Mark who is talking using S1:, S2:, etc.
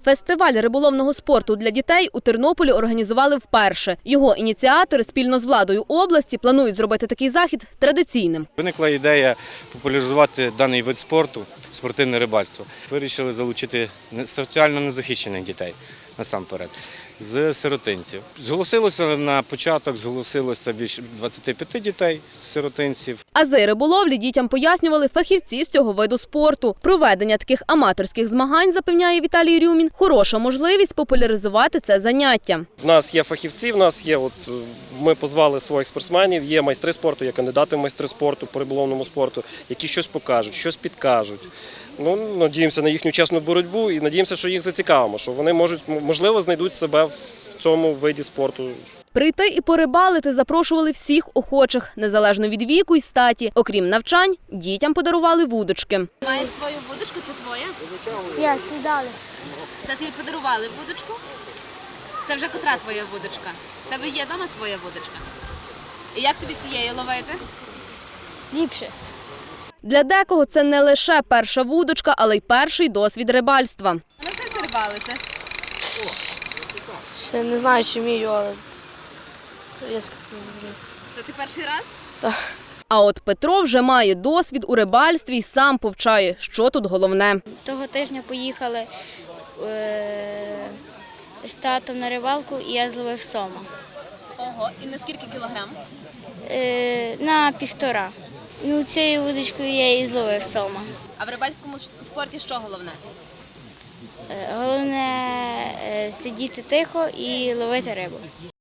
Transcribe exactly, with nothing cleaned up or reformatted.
S1: Фестиваль риболовного спорту для дітей у Тернополі організували вперше. Його ініціатори спільно з владою області планують зробити такий захід традиційним.
S2: Виникла ідея популяризувати даний вид спорту – спортивне рибальство. Вирішили залучити соціально незахищених дітей насамперед з сиротинців. Зголосилося на початок, зголосилося більше двадцяти п'яти дітей з сиротинців.
S1: Ази риболовлі дітям пояснювали фахівці з цього виду спорту. Проведення таких аматорських змагань, запевняє Віталій Рюмін, хороша можливість популяризувати це заняття.
S3: У нас є фахівці, в нас є, от, ми позвали своїх спортсменів, є майстри спорту, є кандидати в майстри спорту по риболовному спорту, які щось покажуть, щось підкажуть. Ну, надіємося на їхню чесну боротьбу і надіємося, що їх зацікавимо, що вони можуть, можливо, знайдуть себе в цьому виді спорту.
S1: Прийти і порибалити запрошували всіх охочих, незалежно від віку і статі. Окрім навчань, дітям подарували вудочки.
S4: Маєш свою вудочку, це твоя?
S5: Я це дали.
S4: Це тобі подарували вудочку? Це вже котра твоя вудочка? В тебе є вдома своя вудочка? І як тобі цієї ловити?
S5: Ліпше.
S1: Для декого це не лише перша вудочка, але й перший досвід рибальства.
S4: Навчися рибалити.
S5: Ще не знаю, чи вмію, але я скажу.
S4: Це ти перший раз?
S5: Так.
S1: А от Петро вже має досвід у рибальстві і сам повчає, що тут головне.
S6: Того тижня поїхали е з татом на рибалку і я зловив сома.
S4: Ого, і на скільки кілограм?
S6: Е на півтора. Ну, цією вудочкою я і зловив сома.
S4: А в рибальському спорті що головне?
S6: Е головне е сидіти тихо і ловити рибу.